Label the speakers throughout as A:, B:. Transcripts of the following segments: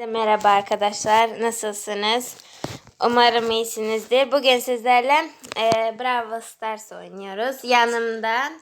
A: Merhaba arkadaşlar, nasılsınız? Umarım iyisinizdir. Bugün sizlerle Brawl Stars oynuyoruz. Yanımda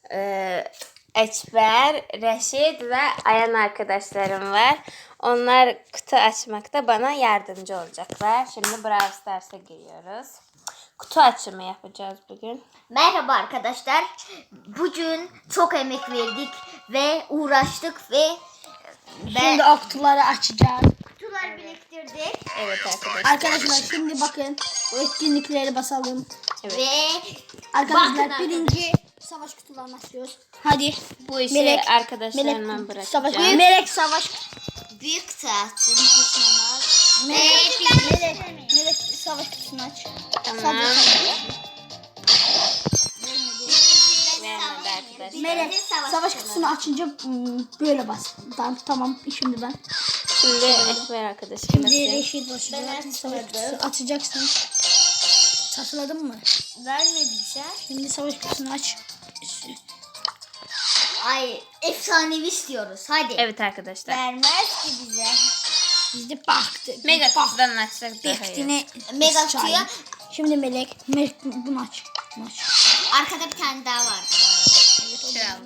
A: Ekber, Reşit ve Ayan arkadaşlarım var. Onlar kutu açmakta bana yardımcı olacaklar. Şimdi Brawl Stars'a giriyoruz. Kutu açımı yapacağız bugün.
B: Merhaba arkadaşlar. Bugün çok emek verdik ve uğraştık ve
C: Şimdi o kutuları açacağız.
B: kutular biriktirdik.
A: Evet arkadaşlar.
C: Arkadaşlar şimdi bakın bu etkinlikleri basalım.
A: Evet.
B: Ve
C: Arkadaşlar
B: bakın
C: birinci savaş kutularını açıyoruz. Hadi.
A: Bu işi
C: Melek,
A: arkadaşlarıma
C: Savaş,
A: bırakacağım.
C: Melek savaş.
B: büyük tahtın hoşlanmaz.
C: Melek savaş kutusunu aç.
A: Tamam. Vermedi arkadaşlar.
C: Melek savaş kutusunu açınca böyle bas. Tamam şimdi ben.
A: Şimdi Ekber arkadaşım
C: Şimdi
A: basıyor.
C: Reşit başlayacak. Savaş kutusu açacaksın. Tasarladın mı?
B: Vermedi bir şey.
C: Şimdi savaş kutusunu aç.
B: Ay efsanevi istiyoruz. Hadi.
A: Evet arkadaşlar.
B: Vermez ki bize.
C: Biz de baktık.
A: Mega kutudan açsak daha iyi.
C: Bektine
B: Mega kutuya.
C: Şimdi Melek bunu aç. Bunu aç.
B: Arkada bir tane daha var bu arada.
A: Kral.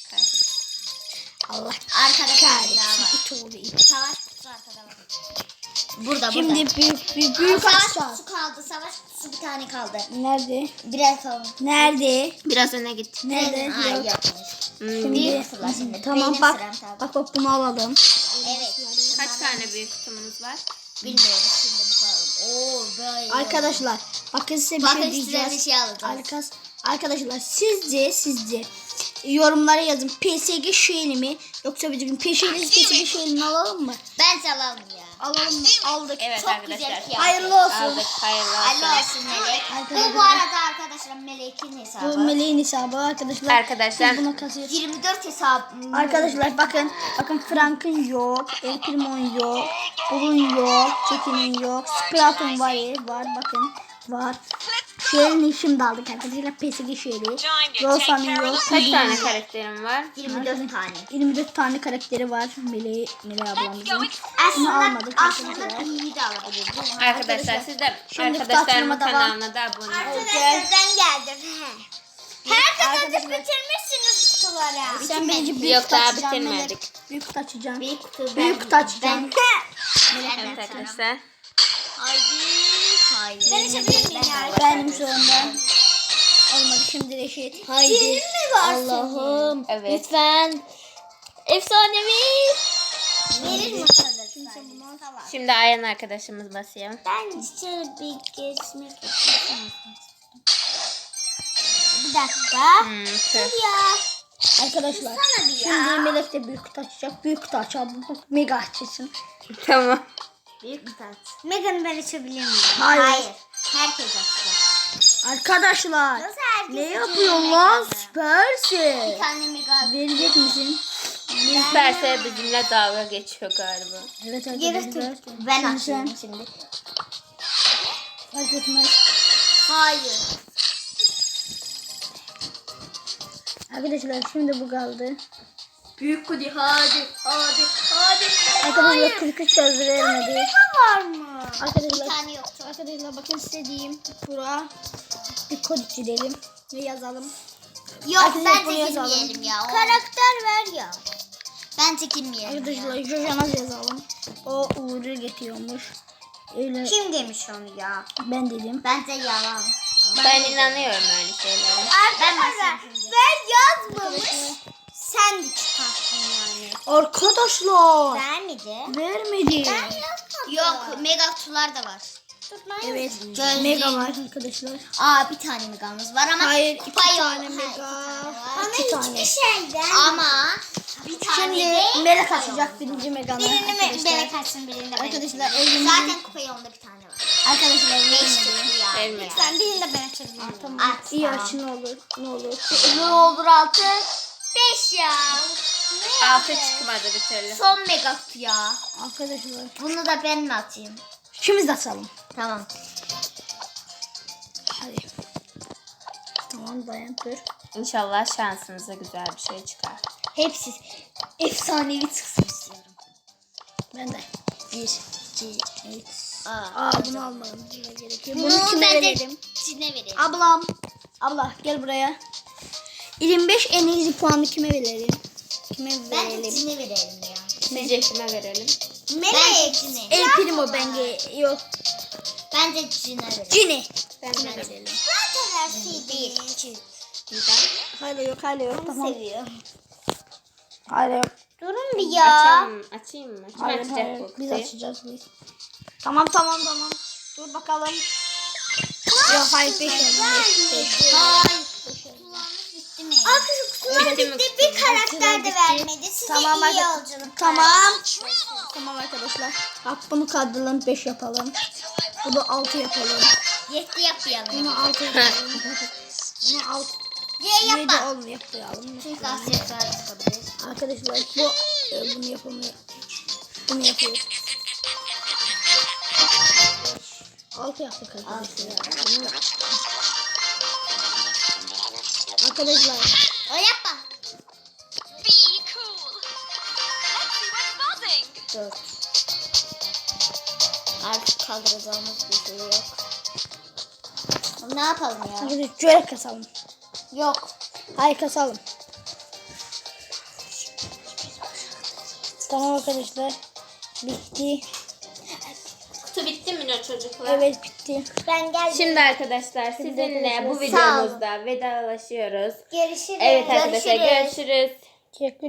C: Allah
B: Arkada bir tane daha var.
C: kahretsin. İt oldu it.
B: Savaş kutusu arkada var. Burada
C: Şimdi
B: burada.
C: büyük
B: Savaş
C: açacağız.
B: kutusu kaldı. Savaş kutusu bir tane kaldı.
C: Nerede?
B: Birer kaldı.
C: Nerede?
A: Biraz öne git.
C: Nerede?
B: Ay
C: Yok.
B: yapmış.
C: Şimdi
B: Büyük kutular şimdi.
C: tamam
B: Benim
C: bak.
B: sıram, tamam.
C: Bak bunu alalım.
B: Evet.
A: Kaç tane büyük kutumuz var?
B: Bilmiyorum şimdi bakalım. Oo böyle.
C: Arkadaşlar bakın size bir
B: Bakın
C: şey
B: size bir
C: diyeceğiz.
B: şey alacağız.
C: Arkadaşlar sizce yorumlara yazın. PSG şeyini mi yoksa bizim PSG şeyini alalım mı?
B: Ben salam ya.
C: Alalım mı? Aldık.
A: Evet
B: Çok
A: arkadaşlar.
B: güzel fiyat.
C: Hayırlı olsun.
A: Aldık. Hayırlı
B: Hayırlı
A: olsun.
B: olsun Melek.
C: Arkadaşlar-
B: Bu arada arkadaşlar Melek'in hesabı.
C: Bu Meleğin hesabı arkadaşlar.
A: Arkadaşlar.
C: Biz buna kasıyoruz.
B: 24 hesabı.
C: Arkadaşlar bakın Frank'ın yok, El Primo'nun yok, Bull'un yok, Çetin'in yok, Sprout'un var bakın Şehrin şimdi aldık arkadaşlar PSG şehri, Rosa'nın yok,
A: Kaç tane karakterim var?
B: 24 tane.
C: 24 tane karakteri var Mele ablamızın. Bunu almadık
B: Aslında
C: arkadaşlar.
B: iyi de alabiliriz.
A: Arkadaşlar siz de
C: Şimdi
A: arkadaşlarımın
C: kutu açılımı
A: kanalına da abone olun.
B: Arkadaşlar ben geldim. Herkes
C: Arkadaşlar-
B: bitirmişsiniz kutuları.
C: Sen birinci büyük
A: Yok,
C: kutu
A: daha
C: açacaksın,
A: bitirmedik.
C: Melek. Büyük kutu açacaksın.
B: Büyük kutu.
C: Büyük kutu açacağım.
A: Evet arkadaşlar.
B: Haydi. Haydi. Ben içebilir miyim ya?
C: Benim sonunda. Olmadı şimdi Reşit. Haydi.
B: Senin mi var
C: Allah'ım.
A: Evet.
C: Lütfen. Efsanevi.
B: Verir mi kadar?
A: Şimdi Ayan arkadaşımız basıyor.
B: Ben şöyle bir geçmek istiyorum. Bir dakika.
A: Tüh.
B: Ya.
C: Arkadaşlar.
B: Sana bir ya.
C: Şimdi Melek de büyük kutu açacak. Büyük kutu açalım. Mega açılsın.
A: Tamam.
B: Büyük kutu aç. Megan'ı ben açabilir miyim?
C: Hayır.
B: Herkes açacak.
C: Arkadaşlar.
B: Nasıl herkes
C: Ne
B: açıyor
C: yapıyorsun lan?
B: Megan'ı?
C: Süpersin.
B: Bir tane Mega.
C: Verecek misin?
A: İsterse bizimle dalga geçiyor galiba.
C: Evet
B: Geri
C: arkadaşlar.
B: tuttum. Ben
C: Şimdi
B: açıyorum
C: sen.
B: şimdi.
C: Fark etmez.
B: Hayır.
C: Arkadaşlar şimdi bu kaldı.
B: Büyük kutu hadi.
C: Arkadaşlar 43 söz vermedi.
B: var mı?
C: Arkadaşlar.
B: Bir tane yoktu.
C: Arkadaşlar bakın istediğim bura bir kod çizelim ve yazalım.
B: Yok
C: Arkadaşlar,
B: ben
C: buraya
B: çekilmeyelim ya. Karakter ver ya. Ben çekilmeyelim
C: Arkadaşlar
B: ya.
C: Jojan'a yazalım. O Uğur'u getiriyormuş. Öyle
B: Kim demiş onu ya?
C: ben dedim.
B: Bence yalan.
A: Ben inanıyorum öyle şeylere.
B: Arkadaşlar ben yazmamış. Sen de çıkarttın yani.
C: Arkadaşlar
B: Vermedi.
C: vermedi.
B: Yok mega kutular da var.
C: Evet.
B: Gözlüğüm.
C: Mega var arkadaşlar.
B: Aa bir tane megamız var ama
C: Hayır, iki
B: kupa yok.
C: tane
B: Ha,
C: mega.
B: iki tane var.
C: Ama iki tane.
B: şeyden. Ama bir tane
C: Şimdi
B: de
C: Melek açacak birinci Mega'nı.
B: birini
C: arkadaşlar.
B: Melek açsın birini de ben
C: Arkadaşlar,
B: açayım.
C: elimde-
B: Zaten kupayı onda bir tane var.
C: Arkadaşlar
B: 5
C: vermedi.
B: çıktı ya.
A: Vermedi.
B: Lütfen birini de ben açabilirim.
C: Tamam.
B: At,
C: İyi
B: tamam.
C: aç ne olur. Ne olur.
B: Ne olur 6. 5 ya.
A: Altı çıkmadı bir türlü.
B: Son mega kutu ya.
C: Arkadaşlar.
B: Bunu da ben mi atayım?
C: İkimiz de açalım.
B: Tamam.
C: Hadi. Tamam dayan dur.
A: İnşallah şansınıza güzel bir şey çıkar.
B: Hepsi efsanevi çıksın istiyorum.
C: Ben de. Evet.
B: Aa,
C: Bunu almam gerekiyor.
B: Bunu
C: Bunu kime
B: bence
C: verelim?
B: Cin'e verelim.
C: Ablam. Abla gel buraya. 25 en iyi puanı kime verelim? Kime
B: Bence
C: verelim?
B: Cin'e verelim ya.
A: Sizce kime verelim?
B: Bence Cin'e.
C: El Primo bence yok.
B: Bence Cin'e verelim.
C: Cini.
A: Bence de.
C: verelim.
B: Zaten versiydi.
C: Hala yok tamam.
B: Seviyorum.
C: Hala yok.
B: Durun bir ya.
A: Açayım mı? Kim
C: Hayır,
A: açacak
C: hayır.
A: bu
C: Biz
A: kutuyu?
C: açacağız biz. Tamam. Dur bakalım. Yok hayır 5
B: Hayır. Bitti mi? Arkadaşlar
A: Bitti mi
B: bitti.
A: kutu?
B: Bir karakter de
C: Bitti.
B: vermedi. Size
C: Tamam,
B: iyi
C: hadi.
B: yolculuk.
C: Tamam arkadaşlar. Bak bunu kaldıralım 5 yapalım. Bunu 6 yapalım.
B: 7 yapmayalım.
C: Bunu 6 yapalım. Bunu 6.
B: C
C: 7
B: yapma.
C: 10 yapalım.
B: Çünkü aksiyetler yapabiliriz.
C: Arkadaşlar bu bunu yapalım. Bunu yapıyoruz. 6 yaptık arkadaşlar. Arkadaşlar
B: O yapma.
D: Be cool. Let's see what's buzzing.
B: 4. Artık kaldıracağımız bir şey yok. Ne yapalım ya?
C: arkadaşlar şöyle kasalım.
B: Yok.
C: Hayır kasalım. Tamam arkadaşlar. Bitti.
A: Kutu bitti mi ne çocuklar?
C: Evet bitti.
B: Ben geldim.
A: Şimdi arkadaşlar sizinle bu
B: Sağ olun.
A: videomuzda vedalaşıyoruz.
B: Görüşürüz.
A: Evet arkadaşlar görüşürüz.
C: Teşekkür